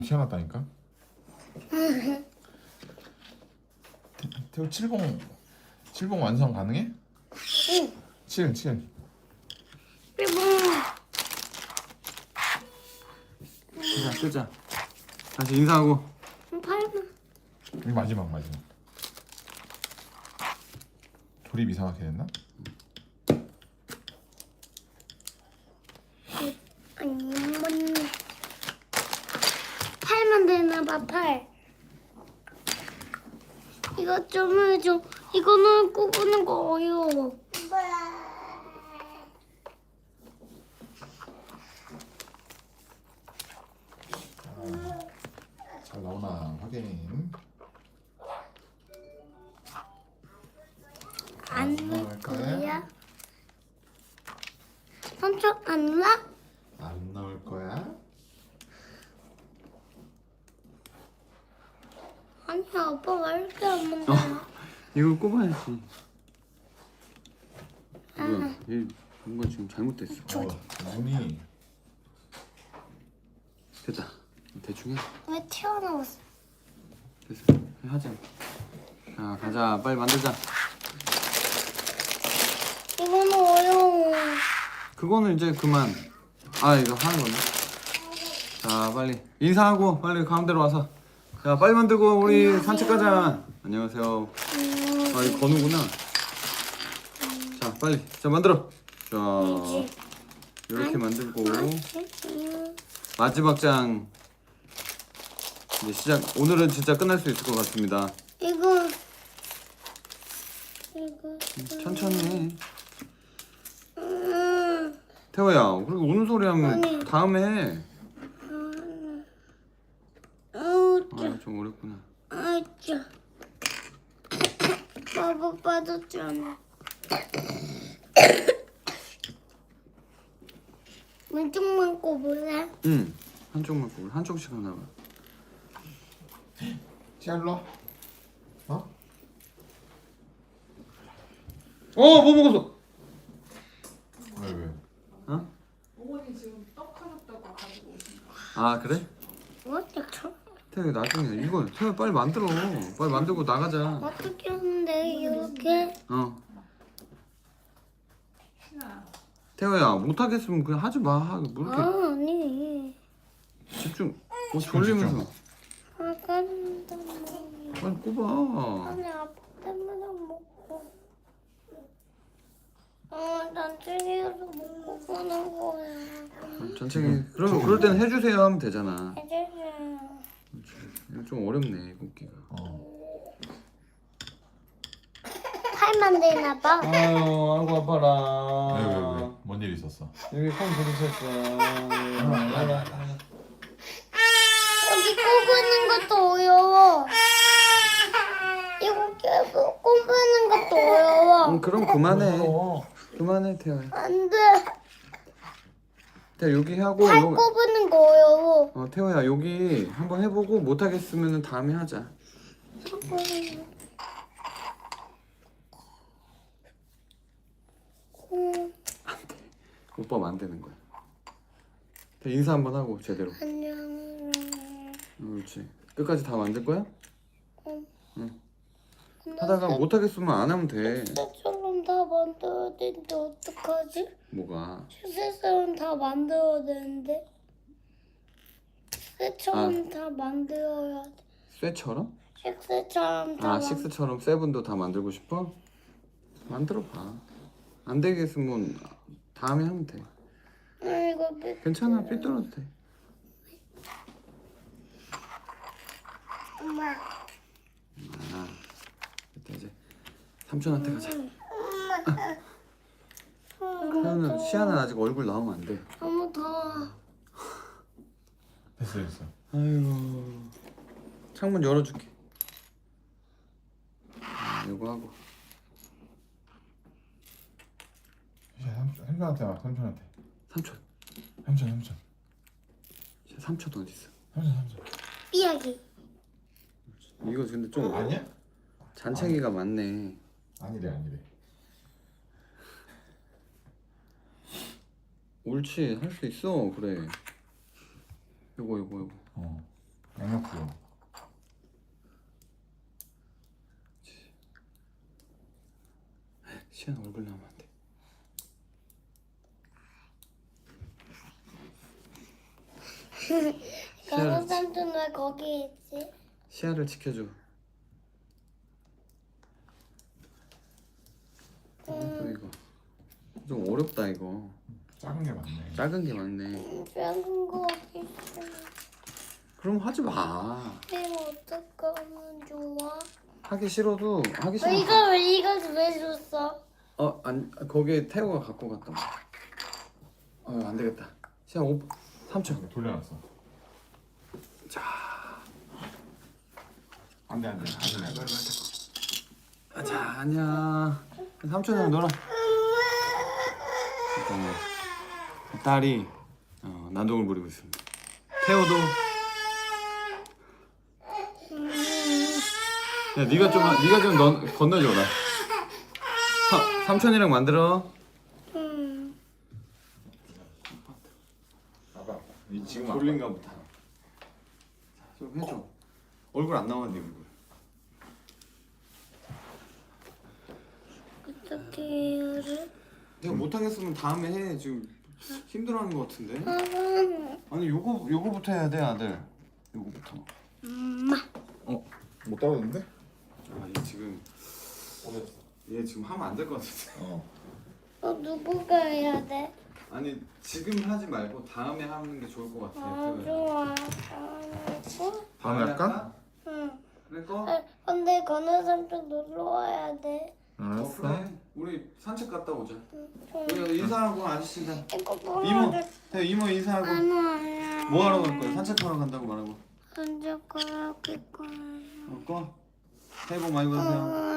튀어났다니까. 태우 칠봉 완성 가능해? 응. 7. 자, 끄자. 다시 인사하고. 팔만. 이 마지막. 조립 이상하게 됐나? 아니, 팔만 되나봐, 팔. 이거 좀 해줘. 이거는 꼽는 거 어려워. 잘 나오나 확인. 안 나올 거야? 거야? 삼촌 안 나? 안 나올 거야? 아니, 아빠 왜 이렇게 안 먹냐? 이걸 꼽아야지. 뭐야? 얘 뭔가 지금 잘못됐어. 눈이 됐다. 대충 해. 왜 튀어나왔어? 됐어. 하자. 자, 가자. 빨리 만들자. 이거는 어려워. 그거는 이제 그만. 아, 이거 하는 거네. 자, 빨리 인사하고 빨리 가운데로 와서. 자, 빨리 만들고 우리 산책 가자. 안녕하세요. 아, 이거 건우구나. 자, 빨리. 자, 만들어. 자, 이렇게 만들고 마지막 장 이제 시작. 오늘은 진짜 끝날 수 있을 것 같습니다. 이거 천천히 해. 태호야, 그렇게 우는 소리 하면 아니. 다음에 해. 아, 좀 어렵구나. 아짜 바보 빠졌잖아. 왼쪽만 꼽을래? 응. 한쪽만 꼽을. 한쪽씩 하나 봐. 샬러? 어? 뭐 먹었어? 왜? 어? 어머니 지금 떡 하셨다고 가지고 오신 거. 아, 그래? 어떻게 태호 나중에 이거 태호 빨리 만들어. 빨리 만들고 나가자. 어떻게 하는데 이렇게? 신아. 태호야, 못하겠으면 그냥 하지 마. 뭐 이렇게 아니 집중. 뭐 졸리면서 아까 빨리 꼽아. 아니 아빠 때문에 먹고 난 책에서 먹고 가는 거야. 전체기. 그러면 그럴 때는 해주세요 하면 되잖아. 해주세요. 이거 좀 어렵네 꼽기가. 팔만 되나 봐. 아유, 아이고 아파라. 왜? 뭔 일 있었어? 여기 콩 부딪혔어. 여기 꼽는 것도 어려워. 이거 계속 꼽는 것도 어려워. 그럼 그만해. 그만해 태호야. 안 돼. 태호 여기 하고 팔 꼽는 거 어려워. 태호야 여기 한번 해보고 못하겠으면 다음에 하자. 오빠 만드는 거야. 태호 인사 한번 하고 제대로. 안녕. 그렇지. 끝까지 다 만들 거야? 응. 하다가 못하겠으면 안 하면 돼. 색깔처럼 다 만들어야 되는데 어떡하지? 뭐가? 색깔처럼 다 만들어야 되는데 색처럼 다 만들어야 돼. 쇠처럼? 색처럼 다 식스처럼 세븐도 다 만들고 싶어? 만들어 봐. 안 되겠으면 다음에 하면 돼. 이거 괜찮아. 삐뚤어도 돼. 엄마. 일단 이제 삼촌한테 가자. 태우는 시아는 아직 얼굴 나오면 안 돼. 너무 더워. 됐어. 아이고. 창문 열어줄게. 이거 하고. 삼촌한테 와. 삼촌한테. 삼촌. 삼촌. 삼촌 어디 있어? 삼촌. 삐약이. 이거 근데 좀 아니야? 잔챙이가 많네. 아니래. 옳지, 할 수 있어. 그래. 요거. 어. 강력수요. 시안 얼굴 나오면 안 돼. 건우 삼촌 왜 거기 있지? 시야를 지켜줘. 또 이거 좀 어렵다 이거. 작은 게 많네. 작은 게 많네. 작은 거 어디 있어? 그럼 하지 마. 이거 어떡하면 좋아? 하기 싫어도 하기 싫어. 이거 왜 줬어? 거기에 태호가 갖고 갔다. 안 되겠다. 시야 3초. 돌려놨어. 안돼 안돼 안돼. 자, 아니야. 3초는 놀아. 잠깐만. 딸이 난동을 부리고 있습니다. 태호도. 야, 네가 좀 건너줘라. 삼촌이랑 만들어. 아빠 이 지금 졸린가 보다. 좀 해줘. 얼굴 안 나와 네 얼굴. 어떻게 해야 돼? 내가 못하겠으면 다음에 해. 지금 힘들어하는 것 같은데. 아니 요거부터 해야 돼 아들. 요거부터. 못 따라오는데? 얘 지금 하면 안 될 것 같은데. 누구가 해야 돼? 아니 지금 하지 말고 다음에 하는 게 좋을 것 같아. 좋아. 다음에 할까? 응. 그래 거? 근데 건우 삼촌 놀러 와야 돼. 그래. 우리 산책 갔다 오자. 응. 우리 인사하고 아저씨들. 이거 뭐 이모. 하자? 이모 인사하고. 아니야. 뭐 하러 갈 거야? 산책하러 간다고 말하고. 언제 거야? 꺼. 새해 복 많이 받으세요.